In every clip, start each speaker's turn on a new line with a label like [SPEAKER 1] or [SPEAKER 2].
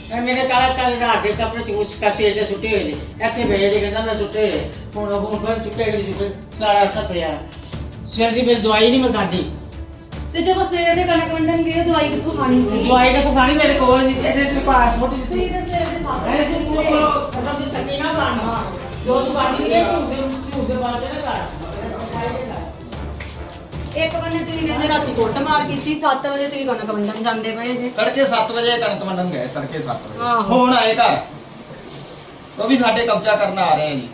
[SPEAKER 1] मेरे काला काले रात के कपड़े चूस कसे जे सुटे हुए ऐसे भेजे जे कहंदा मैं सुटे हुन फिर चुके गई चुके सारा सब पिया सिर दी मेरी दवाई नहीं मैं खादी
[SPEAKER 2] ਤੇ ਜਦੋਂ ਸਵੇਰ ਦੇ ਕਣਕ ਵੰਡਣ ਗਏ ਦਵਾਈ ਕਿੱਥੋਂ ਖਾਣੀ ਸੀ
[SPEAKER 1] ਦਵਾਈ ਕਿਥੋਂ ਖਾਣੀ ਮੇਰੇ ਕੋਲ ਨਹੀਂ ਇਹਦੇ ਤੇ ਪਾਸਪੋਰਟ
[SPEAKER 2] ਤੁਸੀਂ ਤਾਂ ਸਵੇਰ ਦੇ ਸਾਥ
[SPEAKER 1] ਹੈ ਤੂੰ ਕੋਲ ਖਤਮ ਦੀ ਸਕੀ ਨਾ ਬਾਣਾ ਜੋ ਤੂੰ ਬਾਣੀ ਨਹੀਂ ਤੂੰ ਦੇ ਬਾਅਦ ਨਾ
[SPEAKER 2] ਇੱਕ ਬੰਨੇ ਤੁਸੀਂ ਕਹਿੰਦੇ ਰਾਤੀ ਕੁੱਟ ਮਾਰ ਕੀਤੀ 7 ਵਜੇ ਤੁਸੀਂ ਕਣਕ ਵੰਡਣ ਜਾਂਦੇ ਪਏ ਜੇ
[SPEAKER 3] ਤੜਕੇ 7 ਵਜੇ ਕਣਕ ਵੰਡਣ ਗਏ ਤੜਕੇ 7 ਵਜੇ
[SPEAKER 2] ਆਹੋ।
[SPEAKER 3] ਹੁਣ ਆਏ ਘਰ ਉਹ ਵੀ ਸਾਡੇ ਕਬਜ਼ਾ ਕਰਨ ਆ ਰਹੇ ਆ ਜੀ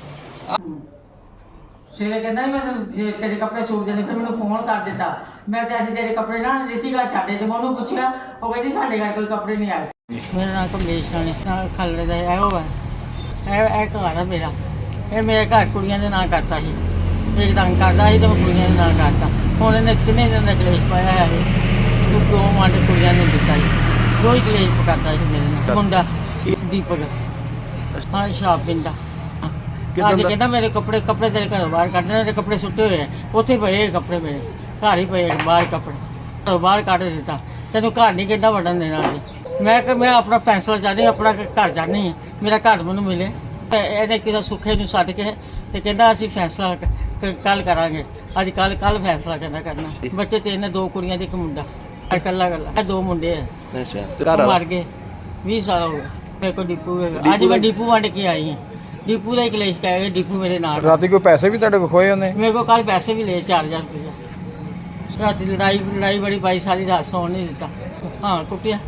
[SPEAKER 1] ਸਿਰੇ ਕਹਿੰਦਾ ਮੈਂ ਜੇ ਤੇਰੇ ਕੱਪੜੇ ਸੂਟ ਦੇਣੇ ਫਿਰ ਮੈਨੂੰ ਫੋਨ ਕਰ ਦਿੱਤਾ ਮੈਂ ਤੇ ਅਸੀਂ ਤੇਰੇ ਕੱਪੜੇ ਨਾ ਰੀਤੀ ਘਰ ਛੱਡੇ ਤੇ ਮੈਂ ਉਹਨੂੰ ਪੁੱਛਿਆ ਉਹ ਕਹਿੰਦੀ ਸਾਡੇ ਘਰ ਕੋਈ ਕੱਪੜੇ ਨਹੀਂ ਆਏ ਮੇਰਾ ਨਾਮ ਕਮਲੇਸ਼ ਰਾਣੀ ਨਾਲ ਖਲੜੇ ਦਾ ਇਹੋ ਹੈ ਇਹ ਘਰ ਆ ਮੇਰਾ ਇਹ ਮੇਰੇ ਘਰ ਕੁੜੀਆਂ ਦੇ ਨਾਂ ਕਰਤਾ ਸੀ ਇੱਕ ਤੰਗ ਕਰਦਾ ਸੀ ਤੇ ਮੈਂ ਕੁੜੀਆਂ ਦੇ ਨਾਂ ਕਰਤਾ ਹੁਣ ਇਹਨੇ ਕਿੰਨੇ ਦਿਨ ਦਾ ਕਲੇਸ਼ ਪਾਇਆ ਹੈ ਤੂੰ ਦੋ ਮਾਂਡੇ ਕੁੜੀਆਂ ਨੂੰ ਦਿੱਤਾ ਸੀ ਕੋਈ ਕਲੇਸ਼ ਪਕਾਤਾ ਸੀ ਮੇਰੇ ਨਾਲ ਮੁੰਡਾ ਦੀਪਕ ਹਾਂ ਸ਼ਰਾਬ ਪੀਂਦਾ ਅੱਜ ਕਹਿੰਦਾ ਮੇਰੇ ਕੱਪੜੇ ਤੇਰੇ ਘਰੋਂ ਬਾਹਰ ਕੱਢਣੇ ਤੇ ਕੱਪੜੇ ਸੁੱਟੇ ਹੋਏ ਆ ਉੱਥੇ ਪਏ ਕੱਪੜੇ ਮੇਰੇ ਘਰ ਹੀ ਪਏ ਬਾਹਰ ਕੱਪੜੇ ਘਰੋਂ ਬਾਹਰ ਕੱਢ ਦਿੱਤਾ ਤੈਨੂੰ ਘਰ ਨਹੀਂ ਕਹਿੰਦਾ ਵੜਨ ਦੇਣਾ ਅੱਜ ਮੈਂ ਆਪਣਾ ਫੈਸਲਾ ਚਾਹਨੀ ਆਪਣਾ ਘਰ ਚਾਹਨੀ ਮੇਰਾ ਘਰ ਮੈਨੂੰ ਮਿਲੇ ਇਹਨੇ ਕਿਸੇ ਸੁੱਖੇ ਨੂੰ ਸੱਦ ਕੇ ਤੇ ਕਹਿੰਦਾ ਅਸੀਂ ਫੈਸਲਾ ਕੱਲ ਕਰਾਂਗੇ ਅੱਜ ਕੱਲ ਫੈਸਲਾ ਕਹਿੰਦਾ ਕਰਨਾ ਬੱਚੇ ਤੇ ਇਹਨੇ ਦੋ ਕੁੜੀਆਂ ਤੇ ਇੱਕ ਮੁੰਡਾ ਇਕੱਲਾ ਦੋ ਮੁੰਡੇ ਆ
[SPEAKER 4] ਅੱਛਾ
[SPEAKER 1] ਮਰ ਗਏ 20 ਸਾਲ ਹੋ ਗਏ ਮੇਰੇ ਕੋਲ ਡਿਪੂ ਹੈਗਾ ਅੱਜ ਮੈਂ ਡਿਪੂ ਵੰਡ ਕੇ ਆਈ ਹਾਂ ਡਿਪੂ ਦਾ ਹੀ ਕਲੇਸ਼ ਕਹਿ ਗਏ ਡਿਪੂ ਮੇਰੇ ਨਾਲ
[SPEAKER 4] ਰਾਤੀ ਕੋਈ ਪੈਸੇ ਵੀ ਤੁਹਾਡੇ ਕੋਲ ਖੋਏ ਉਹਨੇ
[SPEAKER 1] ਮੇਰੇ ਕੋਲ ਕੱਲ ਪੈਸੇ ਵੀ ਲਏ 4000 ਰੁਪਏ ਰਾਤੀ ਲੜਾਈ ਬੜੀ ਪਾਈ ਸਾਰੀ ਰਾਤ ਸੌਣ ਨਹੀਂ ਦਿੱਤਾ ਹਾਂ ਕੁੱਟਿਆ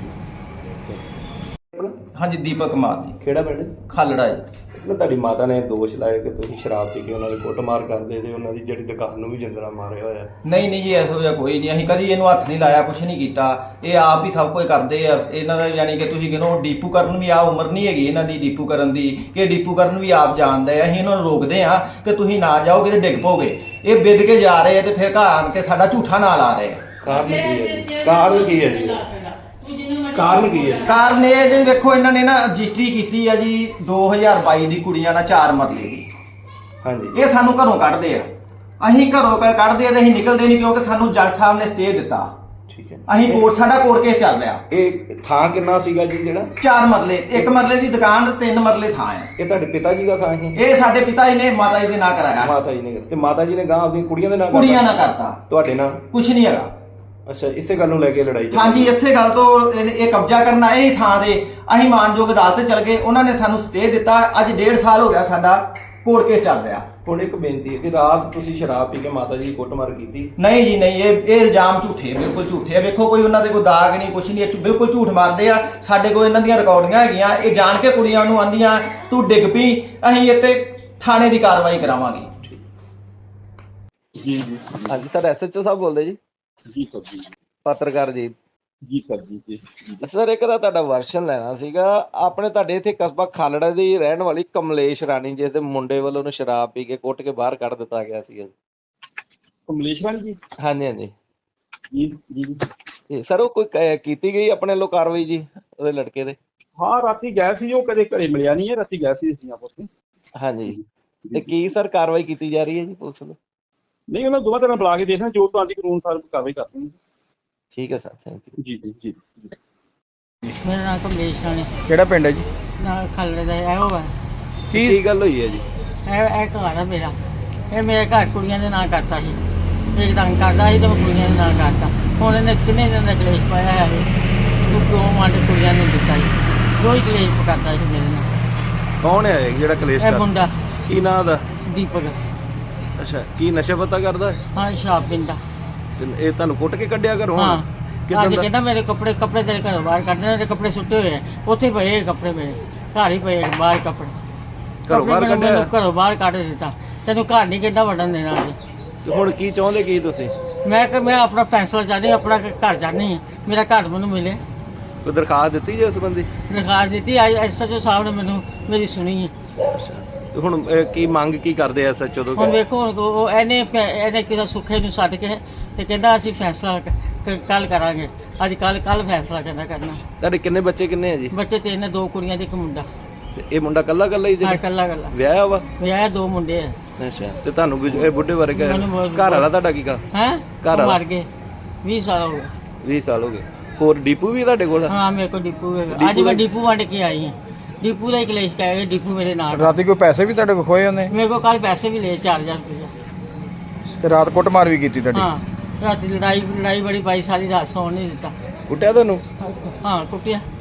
[SPEAKER 3] ਹਾਂਜੀ ਦੀਪਕ ਕੁਮਾਰ ਜੀ
[SPEAKER 4] ਕਿਹੜਾ ਪਿੰਡ
[SPEAKER 3] ਖਾਲੜਾ ਜੀ
[SPEAKER 4] ਨਾ ਤੁਹਾਡੀ ਮਾਤਾ ਨੇ ਦੋਸ਼ ਲਾਇਆ ਕਿ ਤੁਸੀਂ ਸ਼ਰਾਬ ਪੀ ਕੇ ਉਹਨਾਂ ਦੀ ਕੁੱਟਮਾਰ ਕਰਦੇ ਤੇ ਉਹਨਾਂ ਦੀ ਜਿਹੜੀ ਦੁਕਾਨ ਨੂੰ ਵੀ ਜਿੰਦਰਾ ਮਾਰਿਆ ਹੋਇਆ
[SPEAKER 3] ਨਹੀਂ ਜੀ ਇਹੋ ਜਿਹਾ ਕੋਈ ਨਹੀਂ ਅਸੀਂ ਕਦੀ ਇਹਨੂੰ ਹੱਥ ਨਹੀਂ ਲਾਇਆ ਕੁਛ ਨਹੀਂ ਕੀਤਾ ਇਹ ਆਪ ਹੀ ਸਭ ਕੁਝ ਕਰਦੇ ਆ ਇਹਨਾਂ ਦਾ ਯਾਨੀ ਕਿ ਤੁਸੀਂ ਕਹਿੰਦੇ ਡੀਪੂ ਕਰਨ ਵੀ ਆ ਉਮਰ ਨਹੀਂ ਹੈਗੀ ਇਹਨਾਂ ਦੀ ਡੀਪੂ ਕਰਨ ਦੀ ਕਿ ਡੀਪੂ ਕਰਨ ਵੀ ਆਪ ਜਾਣਦੇ ਆ ਅਸੀਂ ਇਹਨਾਂ ਨੂੰ ਰੋਕਦੇ ਆ ਕਿ ਤੁਸੀਂ ਨਾ ਜਾਓਗੇ ਤੇ ਡਿੱਗ ਪੋਗੇ ਇਹ ਵਿਦ ਕੇ ਜਾ ਰਹੇ ਆ ਤੇ ਫਿਰ ਘਰ ਆਣ ਕੇ ਸਾਡਾ ਝੂਠਾ ਨਾਂ ਲਾ ਰਹੇ ਆ
[SPEAKER 4] ਕਾਰਨ ਕੀ ਹੈ ਜੀ ਕਾਰਨ ਕੀ ਹੈ
[SPEAKER 3] ਕਾਰਨ ਇਹ ਜੀ ਵੇਖੋ ਇਹਨਾਂ ਨੇ ਨਾ ਰਜਿਸਟਰੀ ਕੀਤੀ ਆ ਜੀ 2022 ਦੀ ਕੁੜੀਆਂ ਨਾਲ 4 ਮਰਲੇ ਦੀ
[SPEAKER 4] ਹਾਂਜੀ
[SPEAKER 3] ਇਹ ਸਾਨੂੰ ਘਰੋਂ ਕੱਢਦੇ ਆ ਅਸੀਂ ਘਰੋਂ ਕੱਢਦੇ ਆ ਤੇ ਅਸੀਂ ਨਿਕਲਦੇ ਨਹੀਂ ਕਿਉਂਕਿ ਸਾਨੂੰ ਜੱਜ ਸਾਹਿਬ ਨੇ ਸਟੇ ਦਿੱਤਾ
[SPEAKER 4] ਠੀਕ ਹੈ
[SPEAKER 3] ਅਸੀਂ ਸਾਡਾ ਕੋਰਟ ਕੇਸ ਚੱਲ ਰਿਹਾ
[SPEAKER 4] ਇਹ ਥਾਂ ਕਿੰਨਾ ਸੀਗਾ ਜੀ ਜਿਹੜਾ
[SPEAKER 3] 4 ਮਰਲੇ 1 ਮਰਲੇ ਦੀ ਦੁਕਾਨ ਤੇ 3 ਮਰਲੇ ਥਾਂ ਹੈ
[SPEAKER 4] ਇਹ ਤੁਹਾਡੇ ਪਿਤਾ ਜੀ ਦਾ ਥਾਂ ਹੈ
[SPEAKER 3] ਇਹ ਸਾਡੇ ਪਿਤਾ ਜੀ ਨੇ ਮਾਤਾ ਜੀ ਦੇ ਨਾਂ ਕਰਾਇਆ
[SPEAKER 4] ਮਾਤਾ ਜੀ ਨੇ ਤੇ ਮਾਤਾ ਜੀ ਨੇ ਗਾਂ ਆਪਣੀ ਕੁੜੀਆਂ ਦੇ ਨਾਲ
[SPEAKER 3] ਕੁੜੀਆਂ ਨਾਲ ਕਰਤਾ
[SPEAKER 4] ਤੁਹਾਡੇ ਨਾਲ
[SPEAKER 3] ਕੁਛ ਨਹੀਂ ਹੈਗਾ
[SPEAKER 4] ਅੱਛਾ ਇਸੇ ਗੱਲ ਨੂੰ ਲੈ ਕੇ ਲੜਾਈ ਚੱਲੀ
[SPEAKER 3] ਹਾਂਜੀ ਇਸੇ ਗੱਲ ਤੋਂ ਇਹ ਕਬਜ਼ਾ ਕਰਨ ਆਏ ਹੀ ਥਾਂ ਦੇ ਅਸੀਂ ਮਾਨਯੋਗ ਅਦਾਲਤ ਚਲ ਗਏ ਉਹਨਾਂ ਨੇ ਸਾਨੂੰ ਸਟੇ ਦਿੱਤਾ ਅੱਜ 1.5 ਸਾਲ ਹੋ ਗਿਆ ਸਾਡਾ ਕੋਰਟ ਕੇਸ ਚੱਲ ਰਿਹਾ
[SPEAKER 4] ਹੁਣ ਇੱਕ ਬੇਨਤੀ ਹੈ ਕਿ ਰਾਤ ਤੁਸੀਂ ਸ਼ਰਾਬ ਪੀ ਕੇ ਮਾਤਾ ਜੀ ਦੀ ਕੁੱਟਮਾਰ ਕੀਤੀ
[SPEAKER 3] ਨਹੀਂ ਜੀ ਨਹੀਂ ਇਹ ਇਲਜ਼ਾਮ ਝੂਠੇ ਬਿਲਕੁਲ ਝੂਠੇ ਆ ਵੇਖੋ ਕੋਈ ਉਹਨਾਂ ਦੇ ਕੋਈ ਦਾਗ ਨਹੀਂ ਕੁਛ ਨਹੀਂ ਇਹ ਬਿਲਕੁਲ ਝੂਠ ਮਾਰਦੇ ਆ ਸਾਡੇ ਕੋਲ ਇਹਨਾਂ ਦੀਆਂ ਰਿਕਾਰਡਿੰਗਾਂ ਹੈਗੀਆਂ ਇਹ ਜਾਣ ਕੇ ਕੁੜੀਆਂ ਨੂੰ ਆਂਦੀਆਂ ਤੂੰ ਡਿੱਗ ਪਈ ਅਸੀਂ ਇੱਥੇ ਥਾਣੇ ਦੀ ਕਾਰਵਾਈ ਕਰਾਵਾਂਗੇ
[SPEAKER 5] ਜੀ
[SPEAKER 4] ਹਾਂਜੀ ਸਰ ਐਸਐਚਓ ਸਾਹਿਬ ਬੋਲਦੇ ਜੀ
[SPEAKER 5] ਜੀ ਸਰ ਜੀ
[SPEAKER 4] ਪੱਤਰਕਾਰ ਜੀ
[SPEAKER 5] ਜੀ ਸਰ ਜੀ
[SPEAKER 4] ਸਰ ਇੱਕ ਤਾਂ ਤੁਹਾਡਾ ਵਰਸ਼ਨ ਲੈਣਾ ਸੀਗਾ ਆਪਣੇ ਤੁਹਾਡੇ ਇੱਥੇ ਕਸਬਾ ਖਾਲੜਾ ਦੀ ਰਹਿਣ ਵਾਲੀ ਕਮਲੇਸ਼ ਰਾਣੀ ਜਿਸ ਦੇ ਮੁੰਡੇ ਵੱਲੋਂ ਉਹਨੂੰ ਸ਼ਰਾਬ ਪੀ ਕੇ ਕੁੱਟ ਕੇ ਬਾਹਰ ਕੱਢ ਦਿੱਤਾ ਗਿਆ ਸੀਗਾ
[SPEAKER 5] ਕਮਲੇਸ਼ ਰਾਣੀ ਜੀ
[SPEAKER 4] ਹਾਂਜੀ ਹਾਂਜੀ
[SPEAKER 5] ਜੀ
[SPEAKER 4] ਤੇ ਸਰ ਉਹ ਕੋਈ ਕੀਤੀ ਗਈ ਆਪਣੇ ਵੱਲੋਂ ਕਾਰਵਾਈ ਜੀ ਉਹਦੇ ਲੜਕੇ ਦੇ
[SPEAKER 5] ਹਾਂ ਰਾਤੀ ਗਿਆ ਸੀ ਉਹ ਕਦੇ ਘਰੇ ਮਿਲਿਆ ਨਹੀਂ ਹੈ ਰਾਤੀ ਗਿਆ ਸੀ ਅਸੀਂ ਆਪਸ ਵਿੱਚ
[SPEAKER 4] ਹਾਂਜੀ ਤੇ ਕੀ ਸਰ ਕਾਰਵਾਈ ਕੀਤੀ ਜਾ ਰਹੀ ਹੈ ਜੀ ਪੁਲਿਸ ਵੱਲੋਂ
[SPEAKER 5] ਨਹੀਂ ਉਹਨਾਂ ਦੋਵਾਂ ਤਰ੍ਹਾਂ ਬੁਲਾ ਕੇ ਦੇਖਣਾ ਜੋ ਤੁਹਾਡੀ ਕਾਨੂੰਨ ਸਾਰ ਕਾਰਵਾਈ ਕਰਦੇ ਨੇ
[SPEAKER 4] ਠੀਕ ਹੈ ਸਰ ਥੈਂਕ ਯੂ
[SPEAKER 5] ਜੀ
[SPEAKER 1] ਮੇਰਾ ਨਾਮ ਕਮਲੇਸ਼ ਰਾਣੀ
[SPEAKER 4] ਕਿਹੜਾ ਪਿੰਡ ਹੈ ਜੀ
[SPEAKER 1] ਨਾਲ ਖਲੜੇ ਦਾ ਇਹੋ ਹੈ
[SPEAKER 4] ਕੀ ਗੱਲ ਹੋਈ ਹੈ ਜੀ
[SPEAKER 1] ਇਹ ਘਰ ਆ ਮੇਰਾ ਇਹ ਮੇਰੇ ਘਰ ਕੁੜੀਆਂ ਦੇ ਨਾਂ ਕਰਤਾ ਸੀ ਇੱਕ ਤੰਗ ਕਰਦਾ ਸੀ ਤੇ ਮੈਂ ਕੁੜੀਆਂ ਦੇ ਨਾਂ ਕਰਤਾ ਹੁਣ ਇਹਨੇ ਕਿੰਨੇ ਦਿਨ ਦਾ ਕਲੇਸ਼ ਪਾਇਆ ਹੈ ਤੂੰ ਦੋ ਮਾਂਡੇ ਕੁੜੀਆਂ ਨੂੰ ਦਿੱਤਾ ਸੀ ਕੋਈ ਕਲੇਸ਼ ਪਕਾਤਾ ਸੀ ਮੇਰੇ ਨਾਲ
[SPEAKER 4] ਕੌਣ ਹੈ ਜਿਹੜਾ ਕਲੇਸ਼
[SPEAKER 1] ਇਹ ਮੁੰਡਾ
[SPEAKER 4] ਕੀ ਨਾਂ ਦਾ
[SPEAKER 1] ਦੀਪਕ
[SPEAKER 4] ਅੱਛਾ ਕੀ ਨਸ਼ਾ ਪਤਾ ਕਰਦਾ
[SPEAKER 1] ਹਾਂ ਸ਼ਰਾਬ ਪੀਂਦਾ
[SPEAKER 4] ਤੇ ਇਹ ਤੁਹਾਨੂੰ ਕੁੱਟ ਕੇ ਕੱਢਿਆ ਘਰੋਂ
[SPEAKER 1] ਹਾਂ
[SPEAKER 4] ਕਿੱਦਾਂ
[SPEAKER 1] ਅੱਜ
[SPEAKER 4] ਦਾ
[SPEAKER 1] ਕਹਿੰਦਾ ਮੇਰੇ ਕੱਪੜੇ ਤੇਰੇ ਘਰੋਂ ਬਾਹਰ ਕੱਢਣੇ ਤੇ ਕੱਪੜੇ ਸੁੱਟੇ ਹੋਏ ਆ ਉੱਥੇ ਪਏ ਕੱਪੜੇ ਮੇਰੇ ਘਰ ਹੀ ਪਏ ਬਾਹਰ ਕੱਪੜੇ
[SPEAKER 4] ਘਰੋਂ ਬਾਹਰ
[SPEAKER 1] ਮੈਨੂੰ
[SPEAKER 4] ਕੱਢਿਆ
[SPEAKER 1] ਘਰੋਂ ਬਾਹਰ ਕੱਢ ਦਿੱਤਾ ਤੈਨੂੰ ਘਰ ਨਹੀਂ ਕਹਿੰਦਾ ਵੜਨ ਦੇਣਾ ਅੱਜ
[SPEAKER 4] ਤੇ ਹੁਣ ਕੀ ਚਾਹੁੰਦੇ ਕੀ ਤੁਸੀਂ
[SPEAKER 1] ਮੈਂ ਆਪਣਾ ਫੈਸਲਾ ਚਾਹਨੀ ਆਪਣਾ ਘਰ ਚਾਹਨੀ ਮੇਰਾ ਘਰ ਮੈਨੂੰ ਮਿਲੇ
[SPEAKER 4] ਕੋਈ ਦਰਖਾਸਤ ਦਿੱਤੀ ਜੇ ਉਸ ਸੰਬੰਧੀ
[SPEAKER 1] ਦਰਖਾਸਤ ਦਿੱਤੀ ਐਸਐਚਓ ਸਾਹਿਬ ਨੇ ਮੈਨੂੰ ਮੇਰੀ ਸੁਣੀ ਹੈ
[SPEAKER 4] ਤੇ ਹੁਣ ਕੀ ਮੰਗ ਕੀ ਕਰਦੇ ਐ ਸੱਚੋ ਤੋਂ
[SPEAKER 1] ਹੁਣ ਵੇਖੋ ਉਹ ਇਹਨੇ ਕਿਸੇ ਸੁੱਖੇ ਨੂੰ ਸੱਦ ਕੇ ਤੇ ਕਹਿੰਦਾ ਅਸੀਂ ਫੈਸਲਾ ਕੱਲ ਕਰਾਂਗੇ ਅੱਜ ਕੱਲ ਫੈਸਲਾ ਕਹਿੰਦਾ ਕਰਨਾ
[SPEAKER 4] ਤੁਹਾਡੇ ਕਿੰਨੇ ਬੱਚੇ ਕਿੰਨੇ ਆ ਜੀ
[SPEAKER 1] ਬੱਚੇ ਤੇ ਇਹਨੇ ਦੋ ਕੁੜੀਆਂ ਤੇ ਇੱਕ ਮੁੰਡਾ
[SPEAKER 4] ਤੇ ਇਹ ਮੁੰਡਾ ਕੱਲਾ ਹੀ
[SPEAKER 1] ਹਾਂ
[SPEAKER 4] ਜਿਹੜਾ
[SPEAKER 1] ਕੱਲਾ
[SPEAKER 4] ਵਿਆਹਿਆ ਵਾ
[SPEAKER 1] ਵਿਆਹ ਦੋ ਮੁੰਡੇ ਆ
[SPEAKER 4] ਅੱਛਾ ਤੇ ਤੁਹਾਨੂੰ ਇਹ ਬੁੱਢੇ ਬਾਰੇ
[SPEAKER 1] ਮੈਨੂੰ ਬਹੁਤ-
[SPEAKER 4] ਘਰ ਵਾਲਾ ਤੁਹਾਡਾ ਕੀ ਕਾ
[SPEAKER 1] ਹੈਂ
[SPEAKER 4] ਘਰ ਵਾਲਾ?
[SPEAKER 1] ਮਰ ਗਏ 20 ਸਾਲ ਹੋ ਗਏ
[SPEAKER 4] 20 ਸਾਲ ਹੋ ਗਏ ਹੋਰ ਡੀਪੂ ਵੀ ਤੁਹਾਡੇ ਕੋਲ?
[SPEAKER 1] ਹਾਂ ਮੇਰੇ ਕੋਲ ਡਿਪੂ ਹੈਗਾ। ਅੱਜ ਮੈਂ ਡਿਪੂ ਵੰਡ ਕੇ ਆਈ ਹਾਂ। ਡਿਪੂ ਦਾ ਹੀ ਕਲੇਸ਼ ਕਹਿ ਗਏ, ਡਿਪੂ ਮੇਰੇ ਨਾਲ।
[SPEAKER 6] ਰਾਤੀ ਕੋਈ ਪੈਸੇ ਵੀ ਤੁਹਾਡੇ ਕੋਲ ਖੋਏ ਉਹਨੇ?
[SPEAKER 1] ਮੇਰੇ ਕੋਲ ਕੱਲ ਪੈਸੇ ਵੀ ਲਏ 4000 ਰੁਪਏ।
[SPEAKER 6] ਤੇ ਰਾਤ ਕੁੱਟਮਾਰ ਵੀ ਕੀਤੀ ਤੁਹਾਡੀ?
[SPEAKER 1] ਹਾਂ ਰਾਤੀ ਲੜਾਈ ਬੜੀ ਪਾਈ, ਸਾਰੀ ਰਾਤ ਸੌਣ ਨਹੀਂ ਦਿੱਤਾ।
[SPEAKER 4] ਕੁੱਟਿਆ ਤੁਹਾਨੂੰ?
[SPEAKER 1] ਹਾਂ ਕੁੱਟਿਆ।